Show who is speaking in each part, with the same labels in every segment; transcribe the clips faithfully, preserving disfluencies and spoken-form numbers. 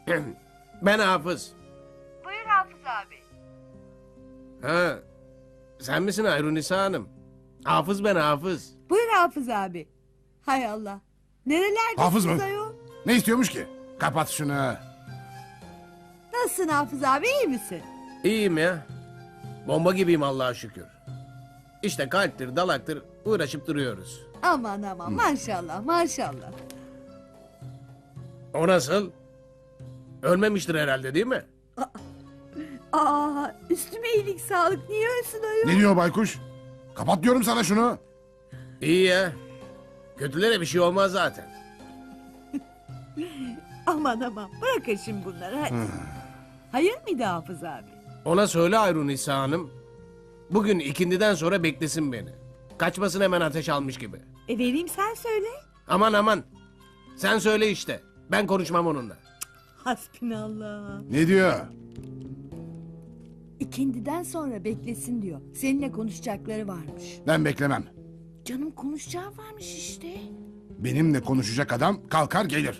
Speaker 1: Ben Hafız.
Speaker 2: Buyur Hafız abi.
Speaker 1: Ha, sen misin Ayrunisa Hanım? Hafız ben Hafız.
Speaker 2: Buyur Hafız abi. Hay Allah. Nerelerdesiniz
Speaker 3: Hafız mı?
Speaker 2: ayol?
Speaker 3: Ne istiyormuş ki? Kapat şunu.
Speaker 2: Nasılsın Hafız abi, iyi misin?
Speaker 1: İyiyim ya. Bomba gibiyim Allah'a şükür. İşte kalptir, dalaktır uğraşıp duruyoruz.
Speaker 2: Aman aman maşallah maşallah.
Speaker 1: O nasıl? Ölmemiştir herhalde değil mi?
Speaker 2: Aa, üstüme iyilik sağlık, niye ölsün ayol?
Speaker 3: Ne diyor baykuş? Kapat diyorum sana şunu.
Speaker 1: İyi ya. Kötülere bir şey olmaz zaten.
Speaker 2: Aman aman bırakın şimdi bunları hadi. Hayır mıydı Hafız abi?
Speaker 1: Ona söyle Ayrunisa Hanım. Bugün ikindiden sonra beklesin beni. Kaçmasın hemen ateş almış gibi.
Speaker 2: E vereyim, sen söyle.
Speaker 1: Aman aman. Sen söyle işte. Ben konuşmam onunla.
Speaker 2: Hasbinallah.
Speaker 3: Ne diyor?
Speaker 2: İkindiden sonra beklesin diyor. Seninle konuşacakları varmış.
Speaker 3: Ben beklemem.
Speaker 2: Canım konuşacağı varmış işte.
Speaker 3: Benimle konuşacak adam kalkar gelir.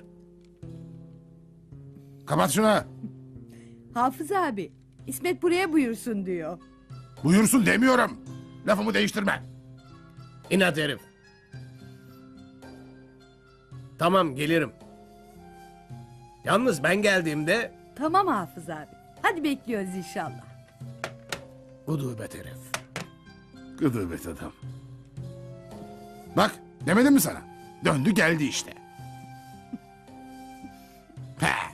Speaker 3: Kapat şunu.
Speaker 2: Hafız abi, İsmet buraya buyursun diyor.
Speaker 3: Buyursun demiyorum. Lafımı değiştirme.
Speaker 1: İnat herif. Tamam gelirim. Yalnız ben geldiğimde
Speaker 2: Tamam Hafız abi. Hadi bekliyoruz inşallah.
Speaker 1: gudubet herif.
Speaker 3: Gıdıbet adam. Bak demedim mi sana? Döndü geldi işte. Peh.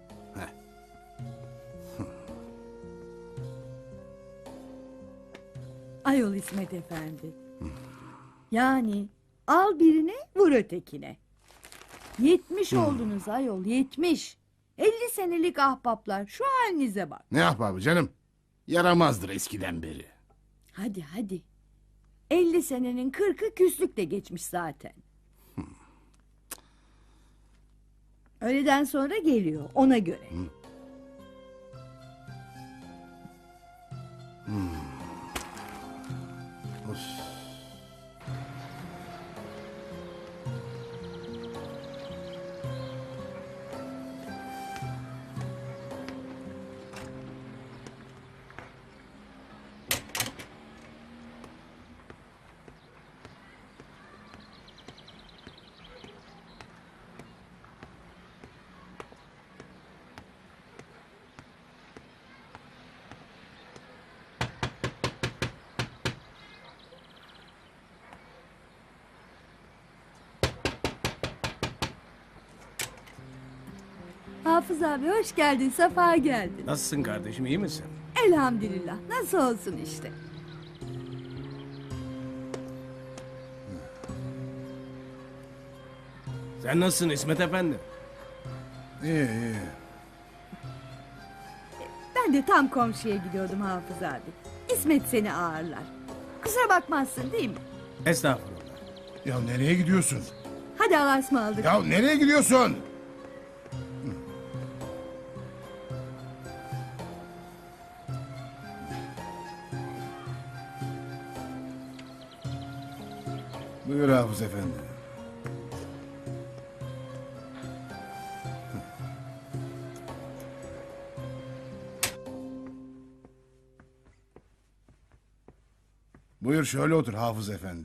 Speaker 2: Ayol İsmet efendi. Yani al birine vur ötekine. Yetmiş oldunuz ayol, yetmiş. Elli senelik ahbaplar, şu halinize bak.
Speaker 3: Ne ahbabı canım? Yaramazdır eskiden beri.
Speaker 2: Hadi hadi. Elli senenin kırkı küslükle geçmiş zaten. Öğleden sonra geliyor, ona göre. Hafız abi hoş geldin, sefa geldin.
Speaker 1: Nasılsın kardeşim, iyi misin?
Speaker 2: Elhamdülillah, nasıl olsun işte.
Speaker 1: Sen nasılsın İsmet Efendi?
Speaker 3: İyi iyi.
Speaker 2: Ben de tam komşuya gidiyordum Hafız abi. İsmet seni ağırlar. Kusura bakmazsın değil mi?
Speaker 1: Estağfurullah.
Speaker 3: Ya nereye gidiyorsun?
Speaker 2: Hadi Allah'a ısmarladık.
Speaker 3: Ya nereye gidiyorsun? Buyur Hafız Efendi. Buyur şöyle otur Hafız Efendi.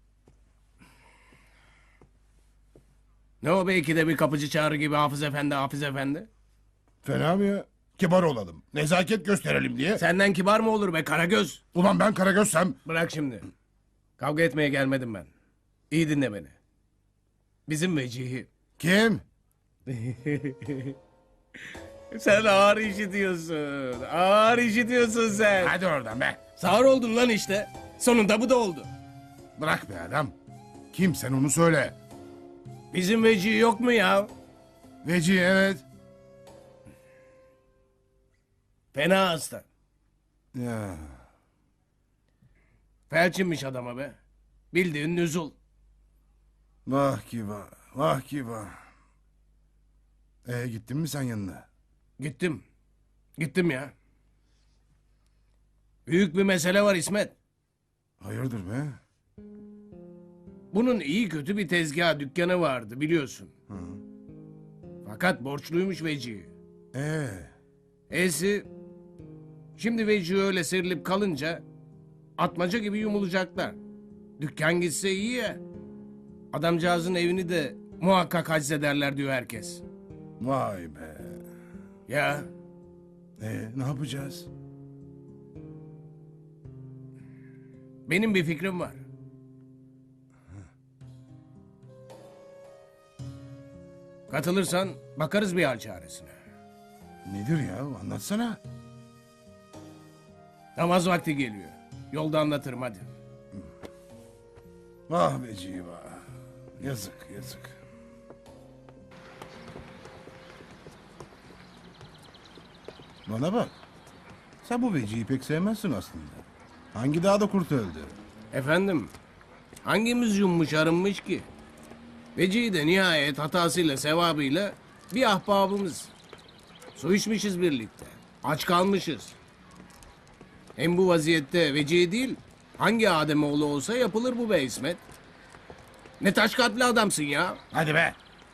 Speaker 1: Ne o belki de bir kapıcı çağrı gibi Hafız Efendi, Hafız Efendi?
Speaker 3: Fena mı ya? Kibar olalım. Nezaket gösterelim diye.
Speaker 1: Senden kibar mı olur be Karagöz?
Speaker 3: Ulan ben Karagöz'sem.
Speaker 1: Bırak şimdi. Kavga etmeye gelmedim ben. İyi dinle beni. Bizim Vecihi.
Speaker 3: Kim?
Speaker 1: Sen ağır işitiyorsun. Ağır işitiyorsun sen.
Speaker 3: Hadi oradan be.
Speaker 1: Sağır oldun lan işte. Sonunda bu da oldu.
Speaker 3: Bırak be adam. Kim sen onu söyle.
Speaker 1: Bizim Vecihi yok mu ya?
Speaker 3: Veci evet.
Speaker 1: Fena hasta.
Speaker 3: Ya.
Speaker 1: Felçinmiş adama be. Bildiğin nüzul.
Speaker 3: Vah ki vah. Vah ki vah. Ee, gittin mi sen yanına?
Speaker 1: Gittim. Gittim ya. Büyük bir mesele var İsmet.
Speaker 3: Hayırdır be?
Speaker 1: Bunun iyi kötü bir tezgah dükkanı vardı biliyorsun. Fakat borçluymuş Vecihi.
Speaker 3: Ee,
Speaker 1: E'si şimdi Veci öyle serilip kalınca atmaca gibi yumulacaklar. Dükkan gitse iyi ya. Adamcağızın evini de muhakkak haczederler diyor herkes.
Speaker 3: vay be.
Speaker 1: Ya
Speaker 3: Ee, ne yapacağız?
Speaker 1: benim bir fikrim var. Katılırsan bakarız bir hal çaresine.
Speaker 3: Nedir ya? Anlatsana.
Speaker 1: Namaz vakti geliyor. Yolda anlatırım hadi.
Speaker 3: Vah Veci vah. Yazık yazık. Bana bak. Sen bu Veci'yi pek sevmezsin aslında. Hangi dağda kurt öldü?
Speaker 1: Efendim, hangimiz yummuş arınmış ki? Vecihi de nihayet hatasıyla sevabıyla bir ahbabımız. Su içmişiz birlikte. Aç kalmışız. Hem bu vaziyette Vecihi değil, hangi Ademoğlu olsa yapılır bu be İsmet. Ne taş kalpli adamsın ya.
Speaker 3: Hadi be.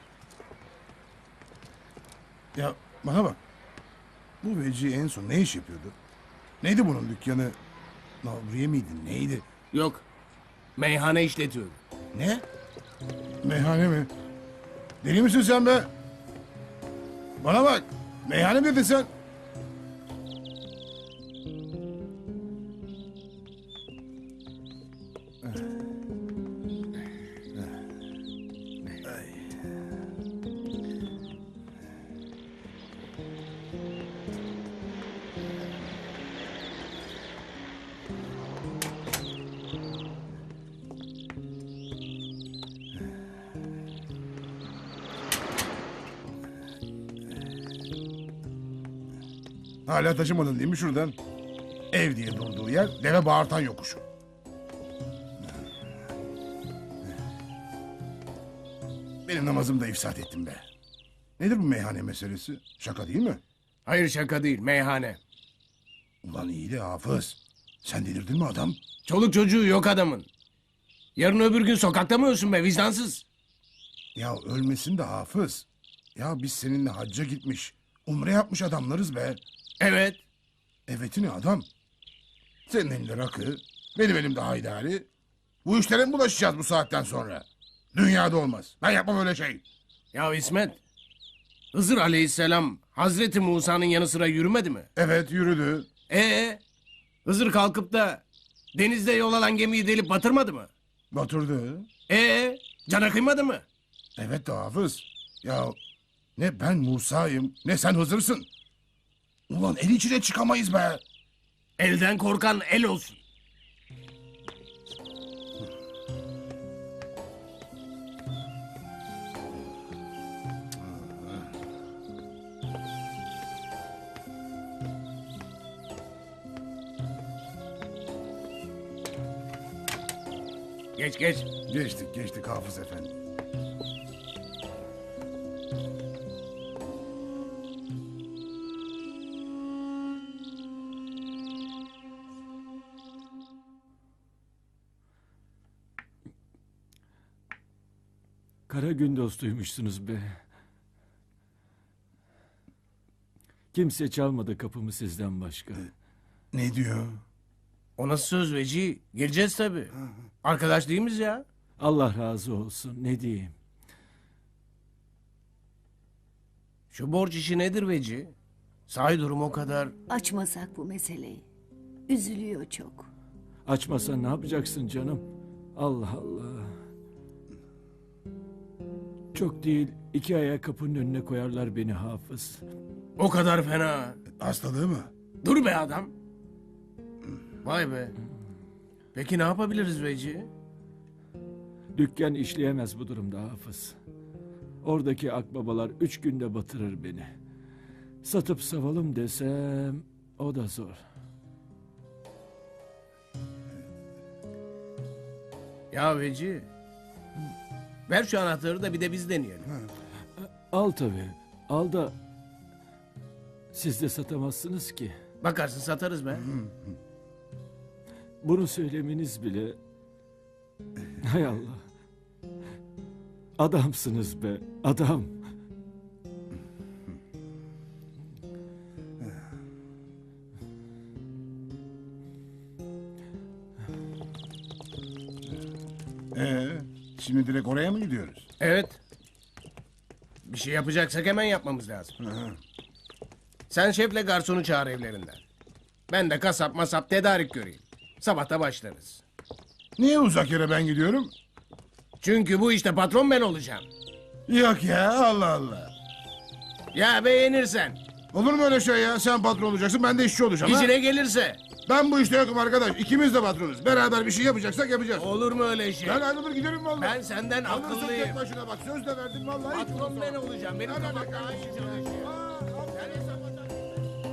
Speaker 3: Ya bana bak. Bu Veci en son ne iş yapıyordu? Neydi bunun dükkanı? Navriye miydi? Neydi?
Speaker 1: Yok, meyhane işletiyor.
Speaker 3: Ne? Meyhane mi? Deli misin sen be? Bana bak. Meyhane mi dedin sen? Hala taşımadın değil mi şuradan? Ev diye durduğu yer deve bağırtan yokuşu. Benim namazımı da ifsad ettim be. Nedir bu meyhane meselesi? Şaka değil mi?
Speaker 1: Hayır şaka değil, meyhane.
Speaker 3: Ulan iyi de Hafız. Sen delirdin mi adam?
Speaker 1: Çoluk çocuğu yok adamın. Yarın öbür gün sokakta mı ölsün be vicdansız?
Speaker 3: Ya ölmesin de Hafız. Ya biz seninle hacca gitmiş, umre yapmış adamlarız be.
Speaker 1: Evet.
Speaker 3: Evet'i ne adam? Senin elinde rakı, benim elimde haydari. Bu işlere mi bulaşacağız bu saatten sonra? Dünyada olmaz. Ben yapmam öyle şey.
Speaker 1: Ya İsmet, Hızır Aleyhisselam Hazreti Musa'nın yanı sıra yürümedi mi?
Speaker 3: Evet yürüdü.
Speaker 1: Ee, Hızır kalkıp da denizde yol alan gemiyi delip batırmadı mı?
Speaker 3: Batırdı.
Speaker 1: Ee, cana kıymadı mı?
Speaker 3: Evet de Hafız. Ya ne ben Musa'yım ne sen Hızır'sın. Ulan el içine çıkamayız be.
Speaker 1: Elden korkan el olsun. Geç geç.
Speaker 3: Geçtik geçtik Hafız efendi.
Speaker 4: Kara gün dostuymuşsunuz be. Kimse çalmadı kapımı sizden başka.
Speaker 3: Ne diyor?
Speaker 1: O nasıl söz Veci? Geleceğiz tabii. Arkadaş değil miyiz ya?
Speaker 4: Allah razı olsun, ne diyeyim.
Speaker 1: Şu borç işi nedir Veci? Sahi durum o kadar.
Speaker 5: Açmasak bu meseleyi. Üzülüyor çok.
Speaker 4: Açmasan ne yapacaksın canım? Allah Allah. Çok değil, iki aya kapının önüne koyarlar beni Hafız.
Speaker 1: O kadar fena.
Speaker 3: Hastalığı mı?
Speaker 1: Dur be adam. Vay be. Peki ne yapabiliriz Veci?
Speaker 4: Dükkan işleyemez bu durumda Hafız. Oradaki akbabalar üç günde batırır beni. Satıp savalım desem o da zor.
Speaker 1: Ya Veci. Ver şu anahtarı da bir de biz deneyelim.
Speaker 4: Al tabii, al da siz de satamazsınız ki.
Speaker 1: Bakarsın satarız be.
Speaker 4: Bunu söylemeniz bile... Hay Allah. Adamsınız be, adam.
Speaker 3: Şimdi direkt oraya mı gidiyoruz?
Speaker 1: Evet. Bir şey yapacaksak hemen yapmamız lazım. Sen şefle garsonu çağır evlerinden. Ben de kasap masap tedarik göreyim. Sabahta başlarız.
Speaker 3: Niye uzak yere ben gidiyorum?
Speaker 1: Çünkü bu işte patron ben olacağım.
Speaker 3: Yok ya, Allah Allah.
Speaker 1: Ya beğenirsen,
Speaker 3: Olur mu öyle şey ya? Sen patron olacaksın, ben de işçi olacağım. ha?
Speaker 1: işine gelirse.
Speaker 3: Ben bu işte yokum arkadaş. İkimiz de patronuz. Beraber bir şey yapacaksak yapacağız.
Speaker 1: Olur mu öyle şey?
Speaker 3: Ben ayrılır giderim vallahi.
Speaker 1: Ben senden
Speaker 3: Alırsın
Speaker 1: akıllıyım.
Speaker 3: tek başına bak. Söz de verdim vallahi. hiç
Speaker 1: Patron
Speaker 3: unutma.
Speaker 1: ben olacağım. Benim
Speaker 3: Ne
Speaker 1: kafam
Speaker 3: demek
Speaker 1: daha iyi
Speaker 3: kardeşim ya?
Speaker 1: çalışıyor.
Speaker 3: Aa,
Speaker 1: Sen hesap at.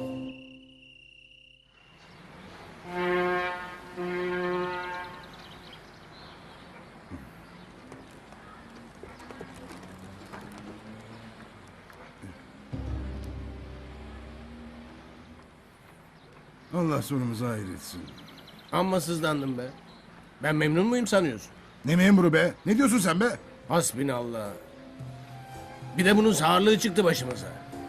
Speaker 3: Allah sonumuzu hayır etsin.
Speaker 1: Amma sızlandım be. Ben memnun muyum sanıyorsun?
Speaker 3: Ne memuru be? Ne diyorsun sen be?
Speaker 1: Hasbinallah. Bir de bunun sağırlığı çıktı başımıza.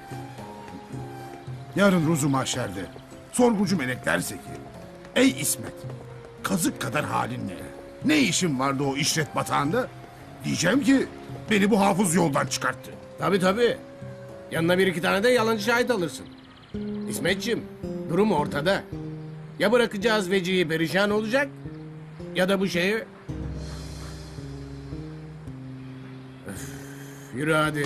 Speaker 3: Yarın ruzu mahşerde sorgucu melek derse ki: ey İsmet, kazık kadar halin ne? Ne işin vardı o işlet batağında? Diyeceğim ki beni bu hafız yoldan çıkarttı.
Speaker 1: Tabii tabii. Yanına bir iki tane de yalancı şahit alırsın. İsmetciğim, durum ortada. Ya bırakacağız vecihi perişan olacak ya da bu şeyi... Öf, yürü hadi.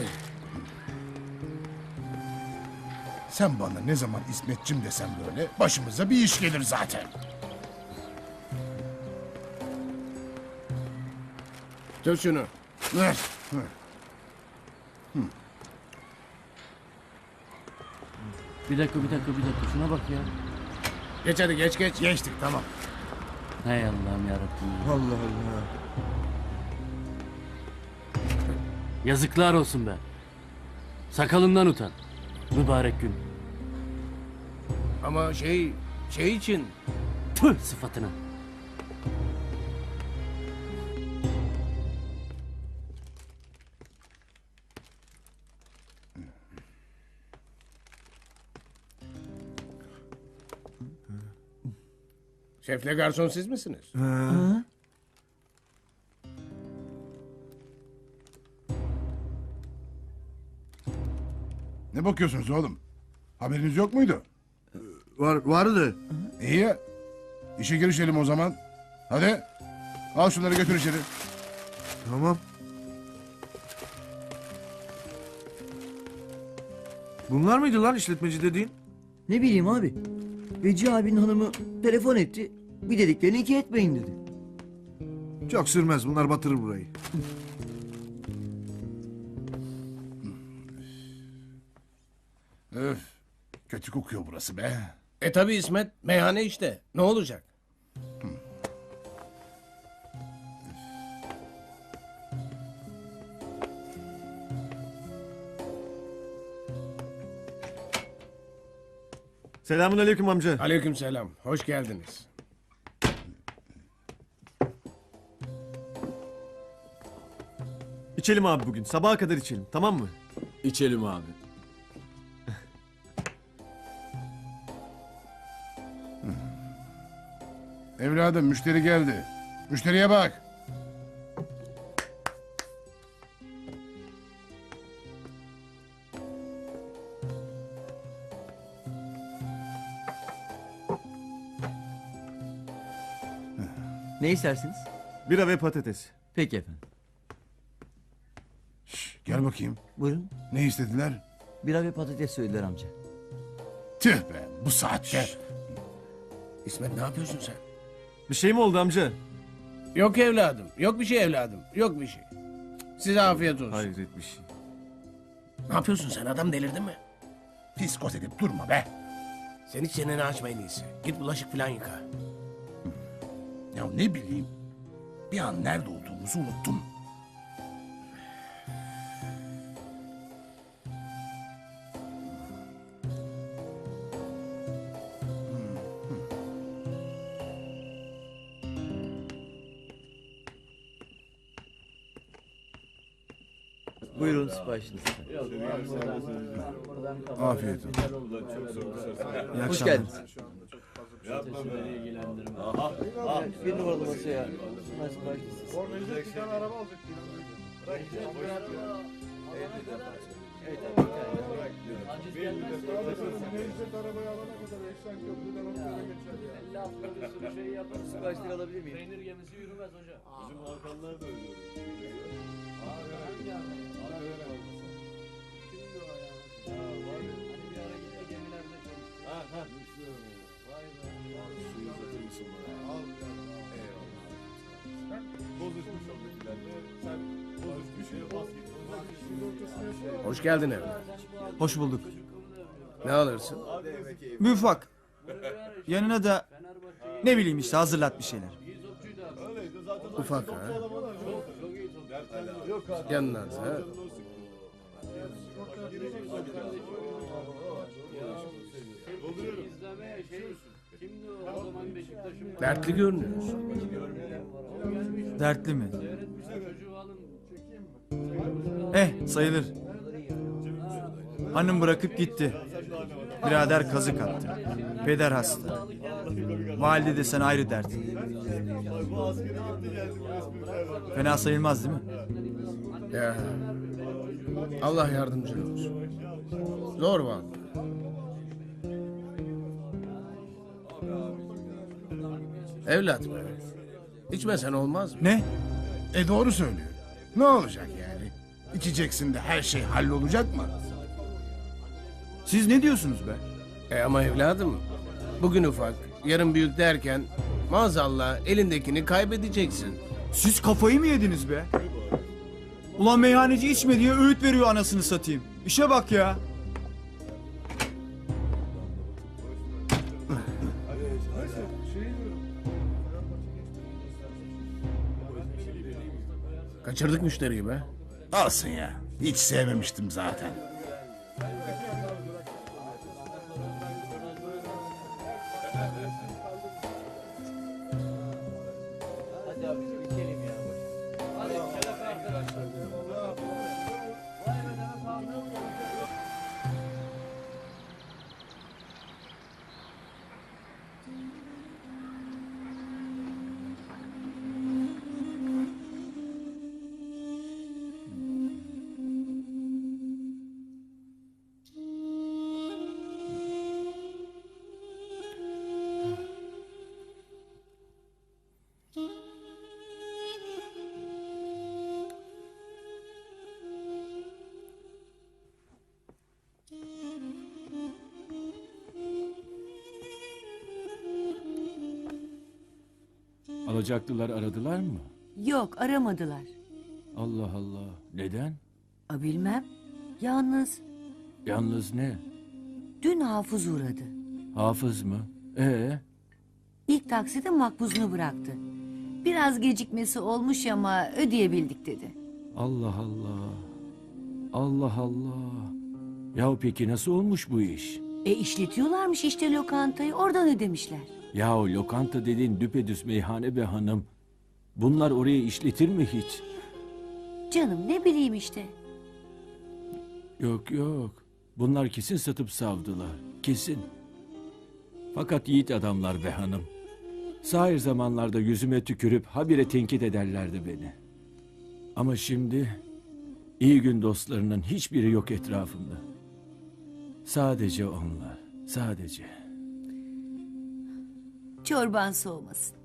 Speaker 3: Sen bana ne zaman İsmetçim desem böyle başımıza bir iş gelir zaten.
Speaker 1: Tut şunu.
Speaker 3: Ver. ver.
Speaker 6: Bir dakika bir dakika bir dakika şuna bak ya.
Speaker 1: Geç hadi geç geç.
Speaker 3: Geçtik tamam.
Speaker 6: Hay Allah'ım yarabbim. ya.
Speaker 3: Allah Allah.
Speaker 6: Yazıklar olsun be. Sakalından utan. Mübarek gün.
Speaker 1: Ama şey şey için
Speaker 6: Tüh sıfatına.
Speaker 1: şefle garson siz misiniz?
Speaker 3: Ne bakıyorsunuz oğlum? Haberiniz yok muydu?
Speaker 7: Var, vardı.
Speaker 3: İyi ya. İşe girişelim o zaman. Hadi. Al şunları götür içeri.
Speaker 7: Tamam. Bunlar mıydı lan işletmeci dediğin?
Speaker 8: Ne bileyim abi. Veci abinin hanımı telefon etti. Bir dediklerini iki etmeyin dedi.
Speaker 7: Çok sürmez, bunlar batırır burayı.
Speaker 3: Öf. Kötü kokuyor burası be.
Speaker 1: E tabi İsmet, meyhane işte. Ne olacak?
Speaker 7: Selamun aleyküm amca.
Speaker 1: Aleykümselam. Hoş geldiniz.
Speaker 7: İçelim abi bugün, sabaha kadar içelim, tamam mı?
Speaker 4: İçelim abi.
Speaker 3: Evladım müşteri geldi. Müşteriye bak.
Speaker 8: Ne istersiniz?
Speaker 7: Bira ve patates.
Speaker 8: Peki efendim.
Speaker 3: Şş, gel bakayım.
Speaker 8: Buyurun.
Speaker 3: Ne istediler?
Speaker 8: Bira ve patates söylediler amca.
Speaker 3: Tüh be bu saatte.
Speaker 1: İsmet ne yapıyorsun sen?
Speaker 7: Bir şey mi oldu amca?
Speaker 1: Yok evladım. Yok bir şey evladım. Yok bir şey. Size afiyet olsun.
Speaker 7: Hayret bir şey.
Speaker 1: Ne yapıyorsun sen? Adam delirdin mi?
Speaker 3: Fiskos edip durma be.
Speaker 1: Sen hiç çeneni açma en iyisi. Git bulaşık falan yıka.
Speaker 3: Ya ne bileyim. Bir an nerede olduğumuzu unuttum.
Speaker 8: Buyurun siparişiniz.
Speaker 3: Afiyet olsun.
Speaker 8: Hoş geldiniz. Bir numaralı masaya. Şunlar siparişiniz. Evet abi. Siparişleri alabilir miyim?
Speaker 6: Peynir gemisi yürümez hocam.
Speaker 7: Bizim Hakanlar da öyle.
Speaker 1: Hoş geldin evlat.
Speaker 9: Hoş bulduk.
Speaker 1: Ne alırsın?
Speaker 9: Bir ufak. Yanına da ne bileyim işte hazırlat bir şeyler.
Speaker 1: Ufak ha. Yanına da. Dertli görünüyorsun.
Speaker 9: Dertli mi? Eh sayılır. Hanım bırakıp gitti. Birader kazık attı. Peder hasta. Valide desen ayrı dert. Fena sayılmaz değil mi?
Speaker 1: Ya. Allah yardımcın olsun. Zor vallahi. Evlat be. İçmesen olmaz mı?
Speaker 9: Ne?
Speaker 3: E doğru söylüyor. Ne olacak yani? İçeceksin de her şey hallolacak mı?
Speaker 9: Siz ne diyorsunuz be?
Speaker 1: E ama evladım, bugün ufak, yarın büyük derken maazallah elindekini kaybedeceksin.
Speaker 9: Siz kafayı mı yediniz be? Ulan meyhaneci içme diye öğüt veriyor anasını satayım. İşe bak ya.
Speaker 1: Kaçırdık müşteriyi be.
Speaker 3: Alsın ya. Hiç sevmemiştim zaten.
Speaker 4: Alacaklılar aradılar mı?
Speaker 5: Yok aramadılar.
Speaker 4: Allah Allah. Neden?
Speaker 5: A, bilmem. Yalnız
Speaker 4: Yalnız ne?
Speaker 5: dün Hafız uğradı.
Speaker 4: Hafız mı? Ee?
Speaker 5: İlk takside makbuzunu bıraktı. Biraz gecikmesi olmuş ama ödeyebildik dedi.
Speaker 4: Allah Allah. Allah Allah. Yahu peki nasıl olmuş bu iş?
Speaker 5: E işletiyorlarmış işte lokantayı, oradan ödemişler.
Speaker 4: Yahu lokanta dediğin düpedüz meyhane be hanım. Bunlar oraya işletir mi hiç?
Speaker 5: Canım ne bileyim işte.
Speaker 4: Yok yok. Bunlar kesin satıp savdılar. Kesin. Fakat yiğit adamlar be hanım. Sahir zamanlarda yüzüme tükürüp habire tenkit ederlerdi beni. Ama şimdi iyi gün dostlarının hiçbiri yok etrafımda. Sadece onlar. Sadece.
Speaker 5: Çorban soğumasın.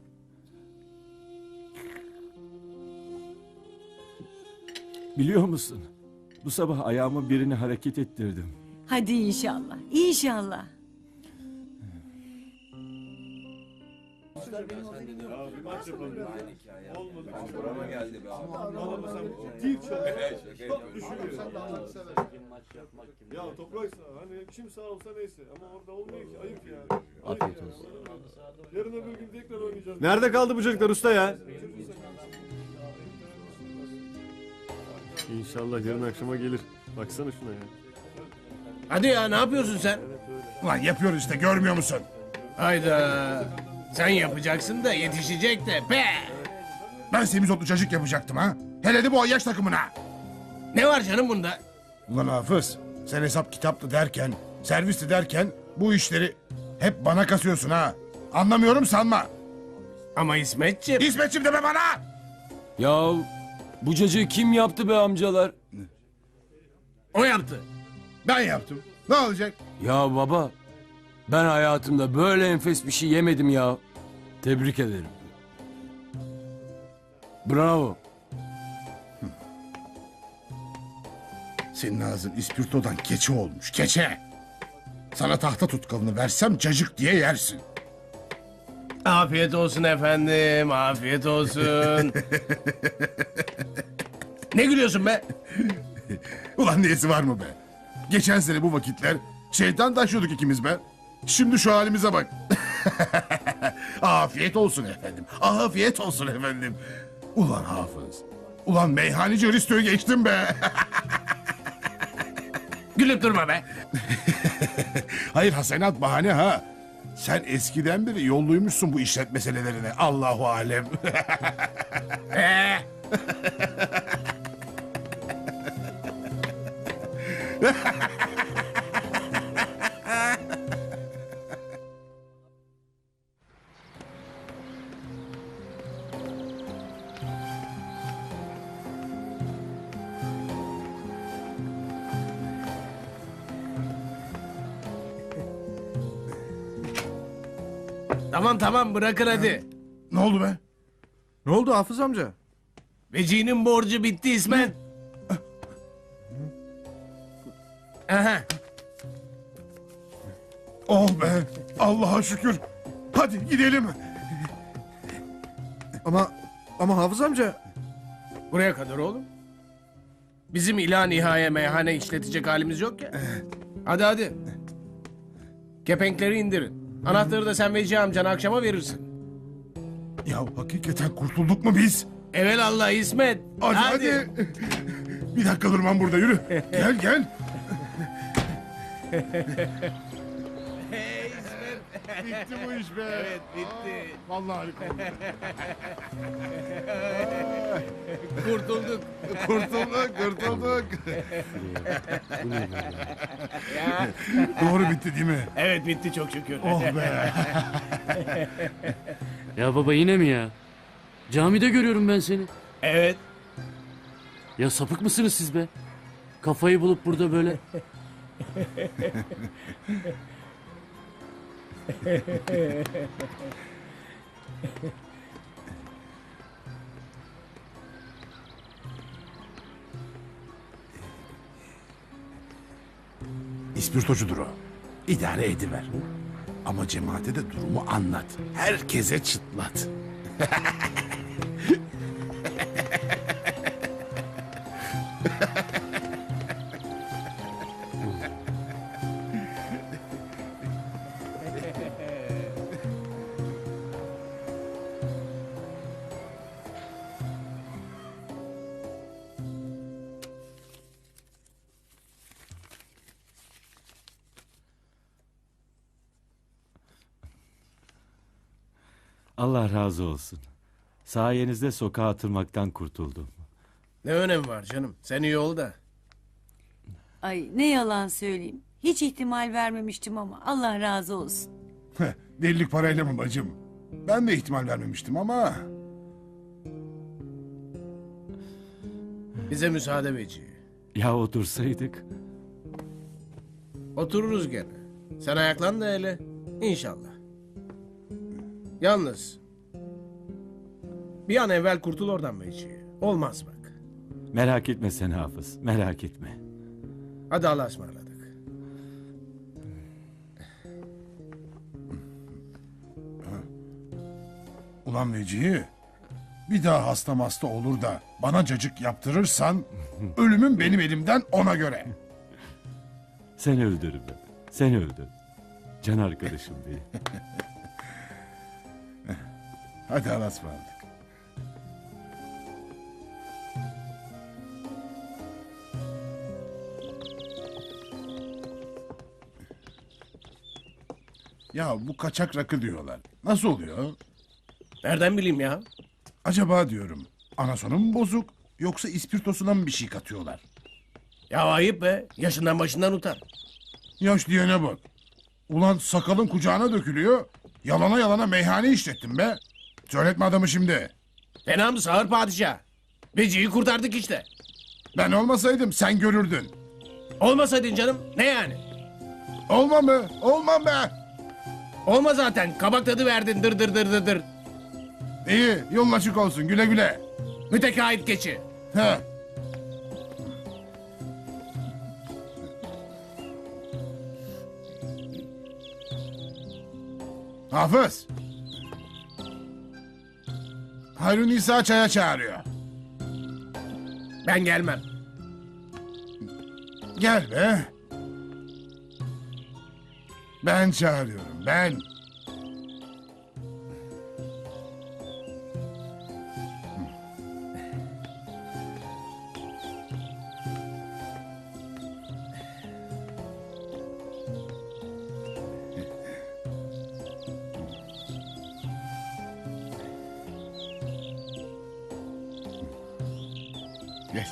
Speaker 4: Biliyor musun? Bu sabah ayağımı birini hareket ettirdim.
Speaker 5: Hadi inşallah, inşallah.
Speaker 7: Ya topraksa hani kim sağ olsa neyse ama orada olmuyor ki ayıp yani.
Speaker 6: Afiyet olsun.
Speaker 7: Yarın öbür gün tekrar oynayacağız. Nerede kaldı bu çocuklar usta ya? İnşallah yarın akşama gelir. Baksana şuna ya.
Speaker 1: Hadi ya, ne yapıyorsun sen?
Speaker 3: Ulan yapıyoruz işte, görmüyor musun?
Speaker 1: Hayda. Sen yapacaksın da yetişecek de be.
Speaker 3: Ben semizotlu cacık yapacaktım ha. Hele de bu ayyaş takımına.
Speaker 1: Ne var canım bunda?
Speaker 3: Ulan Hafız, sen hesap kitaplı derken, servisli derken bu işleri hep bana kasıyorsun ha. Anlamıyorum sanma.
Speaker 1: Ama İsmetciğim.
Speaker 3: İsmetciğim deme bana!
Speaker 10: Ya bu cacığı kim yaptı be amcalar?
Speaker 1: O yaptı.
Speaker 3: Ben yaptım. Ne olacak?
Speaker 10: Ya baba, ben hayatımda böyle enfes bir şey yemedim ya. Tebrik ederim. Bravo.
Speaker 3: Senin ağzın ispirtodan keçe olmuş, keçe. Sana tahta tutkalını versem cacık diye yersin.
Speaker 1: Afiyet olsun efendim. Afiyet olsun. Ne gülüyorsun be?
Speaker 3: Ulan niyesi var mı be? Geçen sene bu vakitler şeytan taşıyorduk ikimiz be. Şimdi şu halimize bak. Afiyet olsun efendim. Afiyet olsun efendim. Ulan Hafız. Ulan meyhaneci Hristo'yu geçtim be.
Speaker 1: Gülüp durma be.
Speaker 3: Hayır hasenat bahane ha. Sen eskiden beri yolluymuşsun bu işlet meselelerine. Allahu alem.
Speaker 1: Ee, tamam tamam bırakın hadi.
Speaker 3: Ne oldu be?
Speaker 9: Ne oldu Hafız amca?
Speaker 1: Veci'nin borcu bitti İsmet. Aha.
Speaker 3: Oh be. Allah'a şükür. Hadi gidelim.
Speaker 9: Ama ama Hafız amca.
Speaker 1: Buraya kadar oğlum. Bizim ila nihaya meyhane işletecek halimiz yok ya. Hadi hadi. Kepenkleri indirin. Anahtarı da sen Veci amcana akşama verirsin.
Speaker 3: Ya hakikaten kurtulduk mu biz?
Speaker 1: Evelallah İsmet.
Speaker 3: Hadi hadi. Bir dakika durmam burada yürü. Gel gel.
Speaker 1: Hey İsmet.
Speaker 3: Bitti bu iş be.
Speaker 1: Evet bitti.
Speaker 3: Vallahi harika oldu.
Speaker 1: Kurtulduk.
Speaker 3: Kurtulduk, kurtulduk.
Speaker 1: Ya.
Speaker 3: Doğru bitti değil mi?
Speaker 1: Evet bitti çok şükür.
Speaker 3: Oh be.
Speaker 6: Ya baba yine mi ya? Camide görüyorum ben seni.
Speaker 1: Evet.
Speaker 6: Ya sapık mısınız siz be? Kafayı bulup burada böyle.
Speaker 3: İspirtocudur o. İdare ediver. Ama cemaate de durumu anlat. Herkese çıtlat.
Speaker 4: Allah razı olsun. Sayenizde sokağa atılmaktan kurtuldum.
Speaker 1: Ne önemi var canım? Sen iyi ol da.
Speaker 5: Ay ne yalan söyleyeyim. Hiç ihtimal vermemiştim ama Allah razı olsun.
Speaker 3: Heh, delilik parayla mı bacım? Ben de ihtimal vermemiştim ama...
Speaker 1: Bize müsaade Veci.
Speaker 4: Ya otursaydık?
Speaker 1: Otururuz gene. Sen ayaklan da hele. İnşallah. Yalnız. Bir an evvel kurtul oradan Veci. Olmaz bak.
Speaker 4: Merak etme sen Hafız, merak etme.
Speaker 1: Hadi Allah'a ısmarladık.
Speaker 3: Ulan Vecihi, bir daha hasta hasta olur da bana cacık yaptırırsan ölümün benim elimden ona göre.
Speaker 4: Sen öldür be, sen öldür. Can arkadaşım benim.
Speaker 3: Hadi Allah'a ısmarladık. Ya bu kaçak rakı diyorlar. Nasıl oluyor?
Speaker 1: Nereden bileyim ya?
Speaker 3: Acaba diyorum anasonu mu bozuk yoksa ispirtosuna mı bir şey katıyorlar?
Speaker 1: Ya ayıp be. Yaşından başından utan.
Speaker 3: Yaş diyene bak. Ulan sakalın kucağına dökülüyor. Yalana yalana meyhane işlettin be. Söyletme adamı şimdi.
Speaker 1: Fena mı sağır padişah? Veci'yi kurtardık işte.
Speaker 3: Ben olmasaydım sen görürdün.
Speaker 1: Olmasaydın canım ne yani?
Speaker 3: Olmam mı? Olmam be.
Speaker 1: Olma zaten. Kabak tadı verdin dır dır dır dır dır.
Speaker 3: İyi yolun açık olsun güle güle.
Speaker 1: Mütekahit keçi.
Speaker 3: He. Hafız. Hayrun İsa çaya çağırıyor.
Speaker 1: Ben gelmem.
Speaker 3: Gel be. Ben çağırıyorum ben. Geç.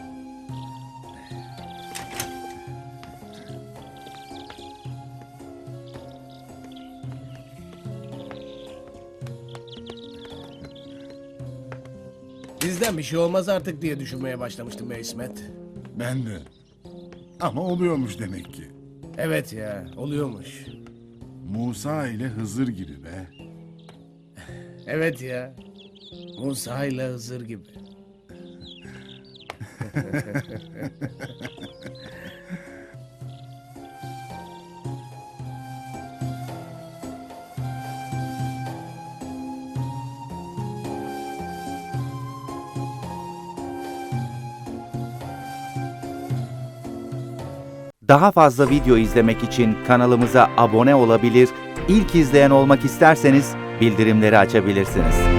Speaker 1: Bizden bir şey olmaz artık diye düşünmeye başlamıştım be İsmet.
Speaker 3: Ben de. Ama oluyormuş demek ki.
Speaker 1: Evet ya oluyormuş.
Speaker 3: Musa ile Hızır gibi be.
Speaker 1: Evet ya. Musa ile Hızır gibi.
Speaker 11: Daha fazla video izlemek için kanalımıza abone olabilir, ilk izleyen olmak isterseniz bildirimleri açabilirsiniz.